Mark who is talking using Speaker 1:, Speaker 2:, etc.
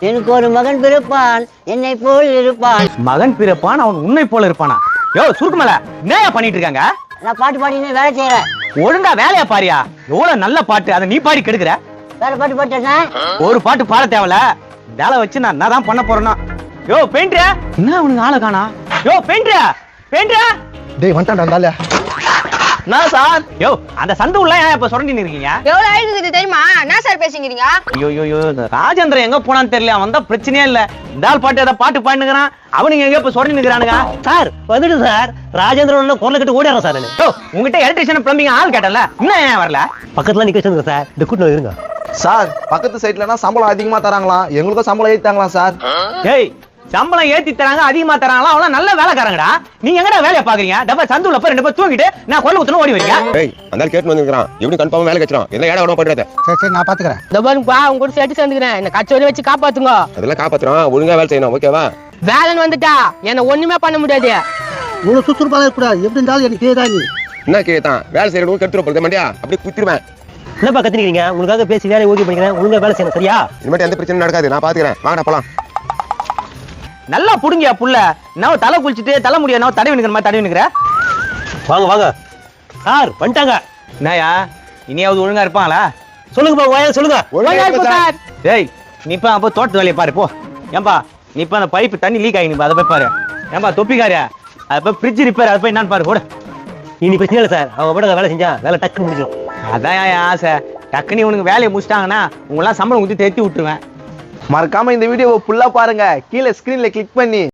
Speaker 1: எனக்கு ஒரு மகன் பிறப்பான், என்னை போல் இருப்பான்.
Speaker 2: மகன் பிறப்பான், அவன் உன்னை போல இருப்பானா? யோ சுருக்குமல, என்னையா பண்ணிட்டு இருக்காங்க?
Speaker 1: நான் பாட்டு பாடினே வேலை செய்யறேன்.
Speaker 2: ஒழுங்கா வேலையா பாரியா? எவ்வளவு நல்ல பாட்டு, அதை நீ பாடி கெடுக்கிற.
Speaker 1: வேற பாட்டு பாட்டேன்னா
Speaker 2: ஒரு பாட்டு பாட தேவல, வேலை வச்சு நான் தான் பண்ண போறேன்னா. யோ பெயிண்டர், என்ன அவனுக்கு ஆளை காணா? யோ பெயிண்டர், பெயிண்டர்
Speaker 3: டேய் வந்துட்டான்டா அந்த ஆளு.
Speaker 2: நான் சார். யோ அந்த சந்து உள்ள ஏன் இப்ப சுரண்டி இருக்கீங்க?
Speaker 4: எவ்வளவு ஆயிடுது தெரியுமா? என்ன சார் பேசிக்கிறீங்க?
Speaker 2: ஐயோ ராஜேந்திரன் எங்க போனான்னு தெரியல, அவன் தான் பிரச்சனையே இல்ல. இந்த ஆள் பாட்டு ஏதாவது பாட்டு பாடினுக்கிறான், அவனுங்க எங்க இப்ப சுரண்டி நிக்கிறானுங்க.
Speaker 5: சார் வந்துட்டு சார். ராஜேந்திரன் குரலை கட்டு ஓடிடுறேன் சார்.
Speaker 2: யோ உங்ககிட்ட எலக்ட்ரிஷியன் பிளம்பிங் ஆள் கேட்டல, இன்னும் ஏன் வரல?
Speaker 5: பக்கத்துல நிக்க வச்சிருங்க சார். இந்த கூட்டம் இருங்க
Speaker 3: சார். பக்கத்து சைட்லனா சம்பளம் அதிகமா தராங்களாம், எங்களுக்கும் சம்பளம் ஏத்தாங்களாம் சார்.
Speaker 2: ஏய் சம்பளம் ஏத்தி தராங்க, அதிகமா தராங்களா? அவள நல்ல வேலைக்காரங்கடா. நீங்க எங்கடா வேலைய பாக்குறீங்க? டப்பா சந்துல போய் ரெண்டு பேர் தூங்கிட்டு நான் கொல்ல குத்துன ஓடி வரீங்க.
Speaker 6: ஏய் அந்த கேட் வந்துங்கறான், எப்படி கன்ஃபார்ம் வேலை கச்சறான்? என்ன ஏடா ஓட பண்றத?
Speaker 3: சரி நான் பாத்துக்கறேன்.
Speaker 4: இந்த பாருங்கப்பா, உங்க கூட சேர்த்து சேர்ந்துக்கிறேன். என்ன கச்சோரி வச்சு காப்பாத்துங்க.
Speaker 6: அதெல்லாம் காப்பாத்துறான், ஒழுங்கா வேலை செய்யணும், ஓகேவா?
Speaker 4: வேலைன்னு வந்துட்டா என்ன ஒண்ணுமே பண்ண முடியாது.
Speaker 5: இவ்வளவு சுறுசுறுப்பாக இருக்கக்கூடாது. எப்படி இருந்தாலும் எனக்கு கேதா நீ
Speaker 6: என்ன கேட்டான்? வேலை செய்யறவங்க கெடுத்துற போறது மண்டியா, அப்படியே குத்திடுவேன்.
Speaker 5: என்னப்பா கத்திரிக்கீங்க? உங்களுக்காக பேசி வேலையை ஓகே பண்ணிக்கிறேன். ஒழுங்கா வேலை செய்யணும் சரியா?
Speaker 6: இனிமேட்டு எந்த பிரச்சனையும் நடக்காது, நான் பாத்துக்கிறேன். வாங்கடா போலாம்.
Speaker 2: நல்லா புடுங்கியா புள்ள. நான் தலை குளிச்சிட்டு தலை முடிய நான் தடவி நிக்கிற மாதிரி தடவி நிக்கிற.
Speaker 5: வாங்க வாங்க சார் வந்துட்டாங்க.
Speaker 2: என்னயா இனியாவது ஒழுங்கா இருப்பாங்களா?
Speaker 5: சொல்லுங்கப்பா வாயா சொல்லுங்க.
Speaker 6: ஒழுங்கா இருப்பா சார்.
Speaker 2: ஏய் நீ இப்ப அப்போ தோட்டத்து வேலையை பாரு போ. ஏன்பா நீ இப்ப அந்த பைப்பு தண்ணி லீக் ஆகி அதை போய் பாரு. ஏன்பா தொப்பிக்காரியா அதை போய் ஃப்ரிட்ஜ் ரிப்பேர் அதை போய் என்னன்னு பாரு கூட.
Speaker 5: இனி பிரச்சனை இல்லை சார். அவங்க கூட வேலை செஞ்சா வேலை டக்குன்னு முடிஞ்சிடும்.
Speaker 2: அதான் என் ஆசை. டக்குனு உனக்கு வேலையை முடிச்சிட்டாங்கன்னா உங்களாம் சம்பளம் ஊற்றி தேத்தி விட்டுருவேன்.
Speaker 3: மறக்காம இந்த வீடியோவை ஃபுல்லா பாருங்க. கீழே ஸ்கிரீன்ல கிளிக் பண்ணி